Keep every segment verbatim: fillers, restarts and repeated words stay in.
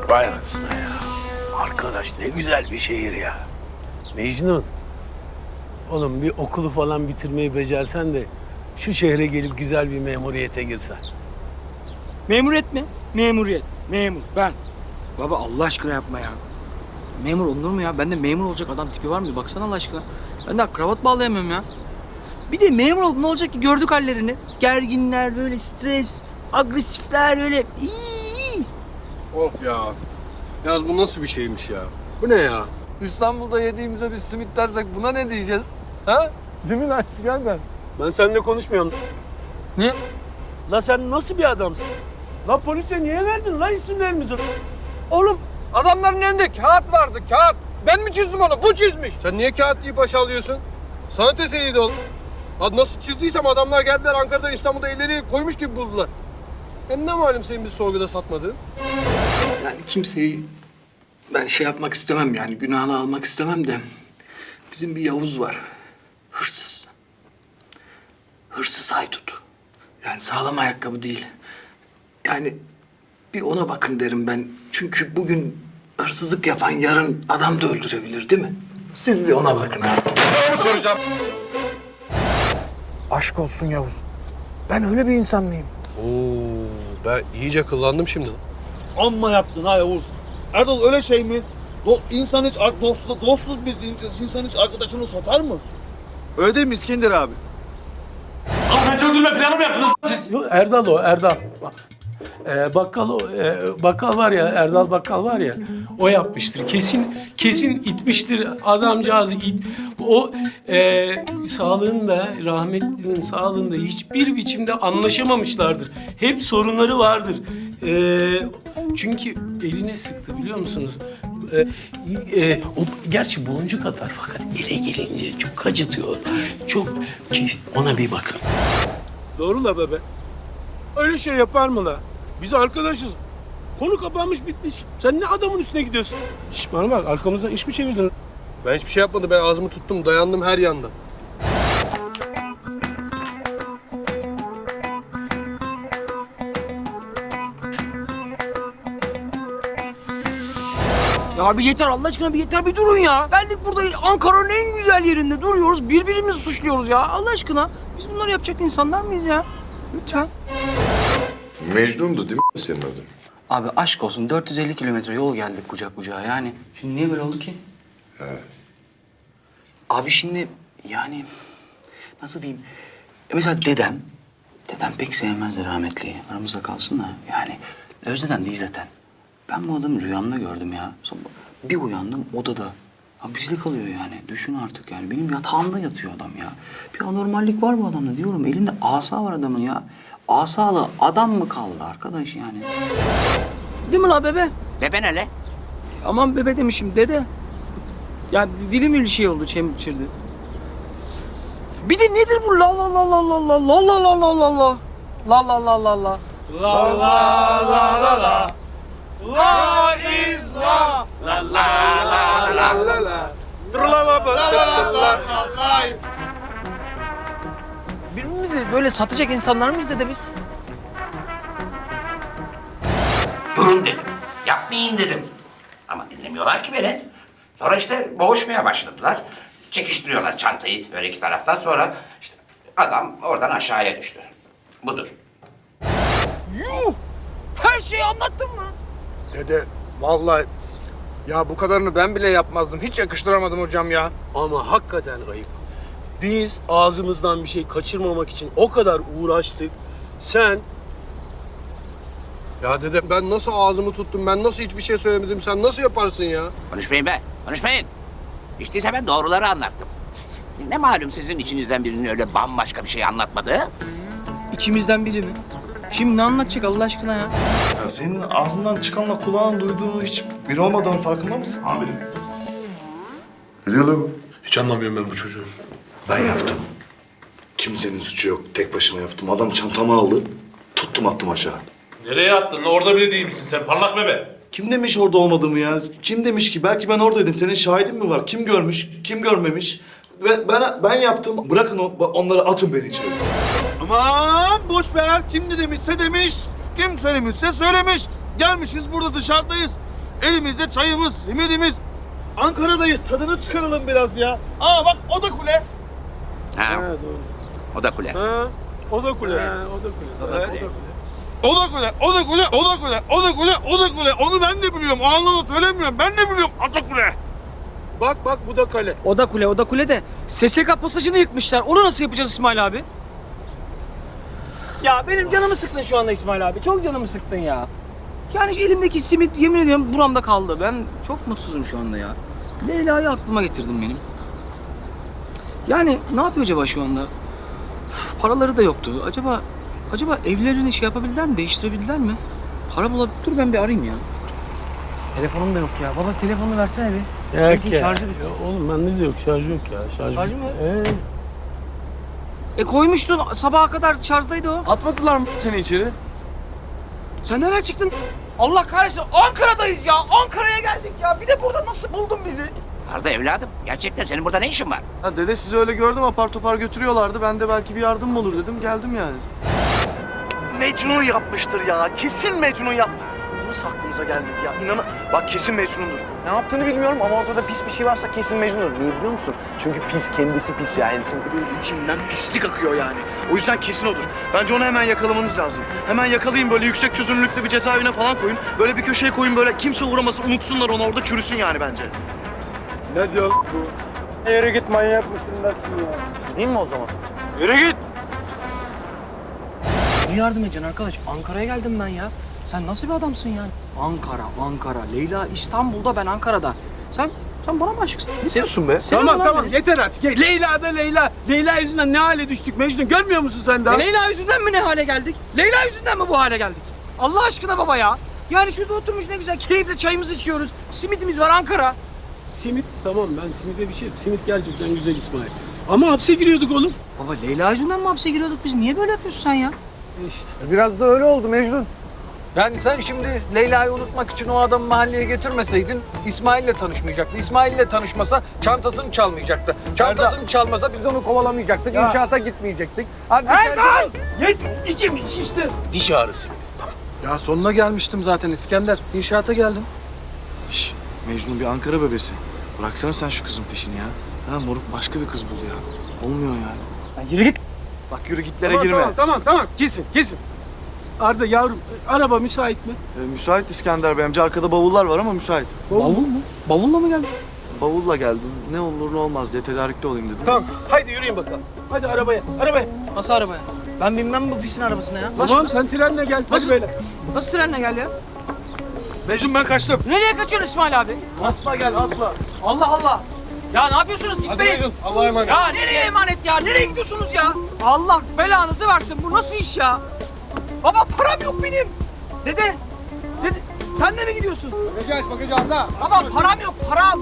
Vay anasına ya. Arkadaş ne güzel bir şehir ya. Mecnun. Oğlum bir okulu falan bitirmeyi becersen de şu şehre gelip güzel bir memuriyete girsen. Memuriyet mi? Memuriyet. Memur. Ben. Baba Allah aşkına yapma ya. Memur olunur mu ya? Bende memur olacak adam tipi var mı? Baksana Allah aşkına. Ben daha kravat bağlayamıyorum ya. Bir de memur olup ne olacak ki? Gördük hallerini. Gerginler, böyle stres, agresifler öyle. İyi. Of ya. Yalnız bu nasıl bir şeymiş ya? Bu ne ya? İstanbul'da yediğimize bir simit dersek buna ne diyeceğiz? Ha? Değil mi lan İskender? Ben seninle konuşmuyorum. Ne? La sen nasıl bir adamsın? La polise niye verdin la isimlerimizi? Oğlum adamların elinde kağıt vardı kağıt. Ben mi çizdim onu? Bu çizmiş. Sen niye kağıt deyip başa alıyorsun? Sanat eseriydi oğlum. Ha, nasıl çizdiysem adamlar geldiler Ankara'dan İstanbul'da elleri koymuş gibi buldular. Hem ne malum senin bizi sorguda satmadığın? Yani kimseyi ben şey yapmak istemem yani günahını almak istemem de bizim bir Yavuz var. Hırsız. Hırsız haydut. Yani sağlam ayakkabı değil. Yani bir ona bakın derim ben. Çünkü bugün hırsızlık yapan yarın adam da öldürebilir değil mi? Siz bir ona bakın ha. Aşk olsun Yavuz. Ben öyle bir insan mıyım? Oo, ben iyice kıllandım şimdi. Amma yaptın ha Yavuz. Erdal öyle şey mi? Do insan hiç ar- dostsuz, dostsuz biz insan hiç arkadaşını satar mı? Öyle değil mi İskender abi? Ahmet öldürme planı mı yaptınız siz? Yok, Erdal o, Erdal. Bak. Ee, bakkal o, e, bakkal var ya, Erdal bakkal var ya, o yapmıştır. Kesin, kesin itmiştir adamcağızı it. O e, sağlığında, rahmetlinin sağlığında hiçbir biçimde anlaşamamışlardır. Hep sorunları vardır. E, çünkü eline sıktı biliyor musunuz? E, e, o gerçi boncuk atar fakat ele gelince çok acıtıyor. Çok kes, ona bir bakın. Doğru la bebe. Öyle şey yapar mı la? Biz arkadaşız. Konu kapanmış bitmiş. Sen ne adamın üstüne gidiyorsun? Şş bana bak arkamızdan iş mi çevirdin? Ben hiçbir şey yapmadım. Ben ağzımı tuttum. Dayandım her yandan. Ya bir yeter Allah aşkına bir yeter bir durun ya. Geldik burada Ankara'nın en güzel yerinde duruyoruz. Birbirimizi suçluyoruz ya Allah aşkına. Biz bunları yapacak insanlar mıyız ya? Lütfen. Mecnun'du değil mi senin adın? Abi aşk olsun dört yüz elli kilometre yol geldik kucak kucağa yani. Şimdi niye böyle oldu ki? Evet. Abi şimdi yani nasıl diyeyim? E mesela dedem, dedem pek sevmezdi rahmetliyi. Aramızda kalsın da yani Özde'den değil zaten. Ben bu adamı rüyamda gördüm ya. Sonra bir uyandım odada. Ha bizle kalıyor yani. Düşün artık yani. Benim yatağımda yatıyor adam ya. Bir anormallik var bu adamda diyorum. Elinde asa var adamın ya. Asalı adam mı kaldı arkadaş yani? Değil mi la bebe? Bebe ne le? Aman bebe demişim dede. Ya dilim bir şey oldu çemçirdi. Bir de nedir bu la la la la la la la la la la la la la la la la la La la la la la. La is la. La la la la la la. Dur la la la la la la. Birbirimizi böyle satacak insanlar mıyız dede biz? Durun dedim. Yapmayın dedim. Ama dinlemiyorlar ki beni. Sonra işte boğuşmaya başladılar. Çekiştiriyorlar çantayı öyle iki taraftan sonra işte adam oradan aşağıya düştü. Budur. Yuh! Her şeyi anlattın mı? Dede vallahi ya bu kadarını ben bile yapmazdım. Hiç yakıştıramadım hocam ya. Ama hakikaten ayıp. Biz ağzımızdan bir şey kaçırmamak için o kadar uğraştık. Sen Ya dede ben nasıl ağzımı tuttum? Ben nasıl hiçbir şey söylemedim? Sen nasıl yaparsın ya? Konuşmayın be, konuşmayın. İşte ise ben doğruları anlattım. Ne malum sizin içinizden birinin öyle bambaşka bir şey anlatmadığı? İçimizden biri mi? Şimdi ne anlatacak Allah aşkına ya? Ya senin ağzından çıkanla kulağın duyduğunu hiç bir olmadığının farkında mısın? Amirim. Ne diyor lan bu? Hiç anlamıyorum ben bu çocuğu. Ben yaptım. Kimsenin suçu yok. Tek başıma yaptım. Adam çantamı aldı. Tuttum attım aşağı. Nereye attın? Orada bile değil misin sen? Parlak bebe. Kim demiş orada olmadığımı ya? Kim demiş ki? Belki ben oradaydım. Senin şahidin mi var? Kim görmüş? Kim görmemiş? Ben, ben, ben yaptım. Bırakın o, onları atın beni içeri. Aman boş ver. Kim ne demişse demiş. Kim söylemişse söylemiş. Gelmişiz burada dışarıdayız. Elimizde çayımız, simidimiz. Ankara'dayız. Tadını çıkaralım biraz ya. Aa bak o da kule. Ha, Ha, doğru. o da kule. Ha, o da kule. Ha, o da kule. Evet. O da kule. O da kule, o da kule, o da kule, o da kule, o da kule. Onu ben de biliyorum. O anlamda söylemiyorum. Ben de biliyorum. O da kule. Bak bak bu da kale. O da kule, o da kule de S S K pasajını yıkmışlar. Onu nasıl yapacağız İsmail abi? Ya benim canımı sıktın şu anda İsmail abi. Çok canımı sıktın ya. Yani şu elimdeki simit yemin ediyorum buramda kaldı. Ben çok mutsuzum şu anda ya. Leyla'yı aklıma getirdim benim. Yani ne yapıyor acaba şu anda? Üf, paraları da yoktu. Acaba acaba evlerini şey yapabildiler mi? Değiştirebildiler mi? Para bulabilir. Dur ben bir arayayım ya. Telefonum da yok ya. Baba telefonunu versene bir. Yok Belki ya. şarjı bitti. Ya oğlum bende de yok. Şarj yok ya. Şarj, Şarjı bitti. mı? Ee, E koymuştun sabaha kadar şarjdaydı o. Atmadılar mı seni içeri? Sen nereden çıktın? Allah kahretsin Ankara'dayız ya. Ankara'ya geldik ya. Bir de burada nasıl buldun bizi? Arda evladım, gerçekten senin burada ne işin var? Ha dede sizi öyle gördüm apar topar götürüyorlardı. Ben de belki bir yardım mı olur dedim geldim yani. Mecnun yapmıştır ya. Kesin Mecnun yaptı. Nasıl aklımıza gelmedi ya? İnan bak kesin Mecnun'dur. Ne yaptığını bilmiyorum ama ortada pis bir şey varsa kesin Mecnun'dur. Niye biliyor musun? Çünkü pis kendisi pis yani. Çünkü böyle içinden pislik akıyor yani. O yüzden kesin odur. Bence onu hemen yakalamanız lazım. Hemen yakalayın böyle yüksek çözünürlüklü bir cezaevine falan koyun. Böyle bir köşeye koyun böyle kimse uğramasın unutsunlar onu orada çürüsün yani bence. Ne diyor bu? Yürü git manyak mısın nasıl ya? Değil mi o zaman? Yürü git. Ne yardım edeceksin arkadaş? Ankara'ya geldim ben ya. Sen nasıl bir adamsın yani? Ankara, Ankara. Leyla İstanbul'da, ben Ankara'da. Sen sen bana mı aşıksın? Ne diyorsun be? tamam tamam yeter artık. Ye- Leyla da Leyla. Leyla yüzünden ne hale düştük Mecnun, görmüyor musun sen daha? E Leyla yüzünden mi ne hale geldik? Leyla yüzünden mi bu hale geldik? Allah aşkına baba ya. Yani şurada oturmuş ne güzel keyifle çayımızı içiyoruz. Simidimiz var Ankara. Simit tamam, ben simide bir şey. Simit gerçekten güzel İsmail. Ama hapse giriyorduk oğlum. Baba Leyla yüzünden mi hapse giriyorduk biz? Niye böyle yapıyorsun sen ya? İşte. Biraz da öyle oldu Mecnun. Yani sen şimdi Leyla'yı unutmak için o adamı mahalleye getirmeseydin İsmail'le tanışmayacaktı. İsmail'le tanışmasa çantasını çalmayacaktı. Çantasını çalmasa biz onu kovalamayacaktık. İnşaata gitmeyecektik. Hadi Yet, içim şişti. Diş ağrısı. Ya sonuna gelmiştim zaten İskender. İnşaata geldim. Şş, Mecnun bir Ankara bebesi. Bıraksana sen şu kızın peşini ya. Ha moruk başka bir kız bul ya. Olmuyor yani. Ya yürü git. Bak yürü gitlere Tamam, girme. tamam tamam tamam kesin kesin. Arda yavrum, araba müsait mi? Ee, müsait İskender Bey amca. Arkada bavullar var ama müsait. Bavul mu? Bavulla mı geldin? Bavulla geldim. Ne olur ne olmaz diye tedarikli olayım dedim. Tamam, haydi yürüyün bakalım. Hadi arabaya, arabaya. Nasıl arabaya? Ben binmem bu pisin arabasına ya. Tamam, sen trenle gel. Hadi Nasıl? böyle. Nasıl trenle gel ya? Mecnun ben kaçtım. Nereye kaçıyorsun İsmail abi? Atla gel, atla. Allah Allah. Ya ne yapıyorsunuz? Hadi Gitmeyin. Mecnun Allah'a emanet. Ya nereye emanet ya? Nereye gidiyorsunuz ya? Allah belanızı versin. Bu nasıl iş ya? Baba param yok benim. Dede. Dede. Sen de mi gidiyorsun? Bagajı aç bagajı Arda. Baba param yok param.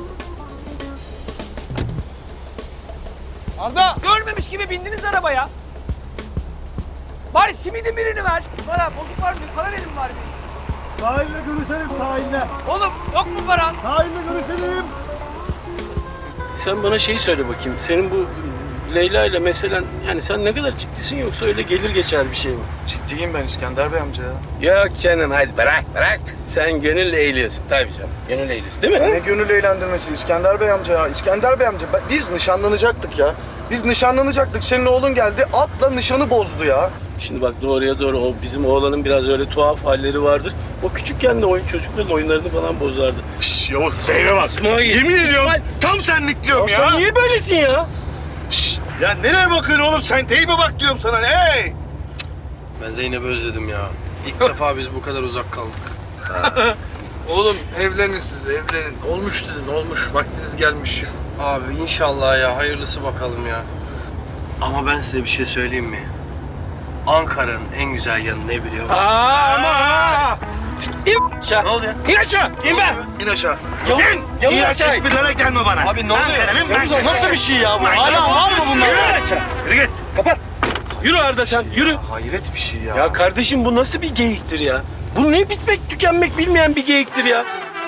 Arda. Görmemiş gibi bindiniz arabaya. Bari simidin birini ver. Bana bozuk var mı? Para verin bari. Sahilde görüşelim sahilde. Oğlum yok mu paran? Sahilde görüşelim. Sen bana şeyi söyle bakayım. Senin bu Leyla ile meselen, yani sen ne kadar ciddisin yoksa öyle gelir geçer bir şey mi? Ciddiyim ben İskender Bey amca ya. Yok canım, hadi bırak bırak. Sen gönül eğliyorsun tabii canım. Gönül eğliyorsun değil mi? Ne gönül eğlendirmesi İskender Bey amca ya. İskender Bey amca ben- biz nişanlanacaktık ya. Biz nişanlanacaktık. Senin oğlun geldi atla nişanı bozdu ya. Şimdi bak doğruya doğru, o bizim oğlanın biraz öyle tuhaf halleri vardır. O küçükken de oyun çocukların oyunlarını falan bozardı. Şşş Yavuz seyre bak. İsmail, Yemin ediyorum İsmail. tam senlik diyorum Ya ya. sen niye böylesin ya? Şşş ya nereye bakıyorsun oğlum sen teybe bak diyorum sana hey. Ben Zeynep'i özledim ya. İlk defa biz bu kadar uzak kaldık. Oğlum evlenin siz evlenin. Olmuş sizin, olmuş. Vaktiniz gelmiş. Abi inşallah ya, hayırlısı bakalım ya. Ama ben size bir şey söyleyeyim mi? Ankara'nın en güzel yanı ne biliyor musun? Ama İn aşağı. Ne oluyor? İn aşağı. İn be. İn aşağı. Yavuz, Yavuz İn aşağı. esprilere gelme bana. Abi ne oluyor? Yavuz aşağı. Nasıl bir şey ya bu? Hala var mı bunlar? Yürü aşağı. Yürü git. Kapat. Yürü Arda sen, yürü. Hayret bir şey ya. Ya kardeşim bu nasıl bir geyiktir ya? Bu ne bitmek tükenmek bilmeyen bir geyiktir ya.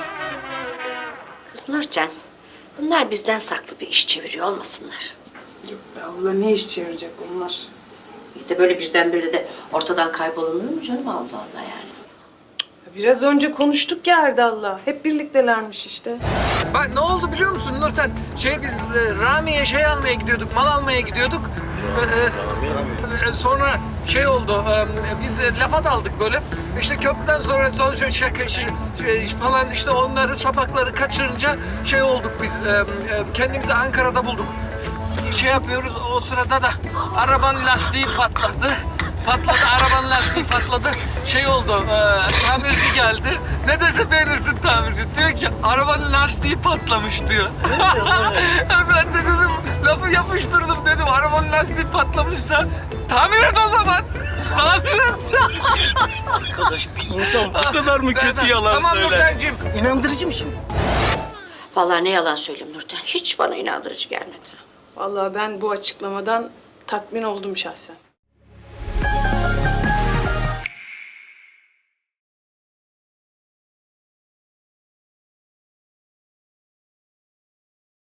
Kız Nurcan, bunlar bizden saklı bir iş çeviriyor olmasınlar. Yok be abla, ne iş çevirecek onlar? Bir de böyle birdenbire de ortadan kaybolunur mu canım, Allah Allah yani. Biraz önce konuştuk ya Erdal'la. Hep birliktelermiş işte. Bak ne oldu biliyor musun Nurten? Şey biz e, Rami'ye şey almaya gidiyorduk, mal almaya gidiyorduk. E, e, sonra şey oldu, e, biz e, lafa daldık böyle. İşte köprüden sonra son şey, şaka şey, şey falan işte onları sapakları kaçırınca şey olduk biz. E, e, kendimizi Ankara'da bulduk. Şey yapıyoruz o sırada da arabanın lastiği patladı. Patladı, arabanın lastiği patladı. Şey oldu, e, tamirci geldi. Ne dese beğenirsin tamirci. Diyor ki arabanın lastiği patlamış diyor. Ben de dedim, lafı yapıştırdım dedim. Arabanın lastiği patlamışsa tamir et o zaman. Tamir et. Arkadaş bir insan bu kadar mı kötü yalan tamam, söyler? Nurten'cim. İnandırıcı mı şimdi? Vallahi ne yalan söyleyeyim Nurten. Hiç bana inandırıcı gelmedi. Vallahi ben bu açıklamadan tatmin oldum şahsen.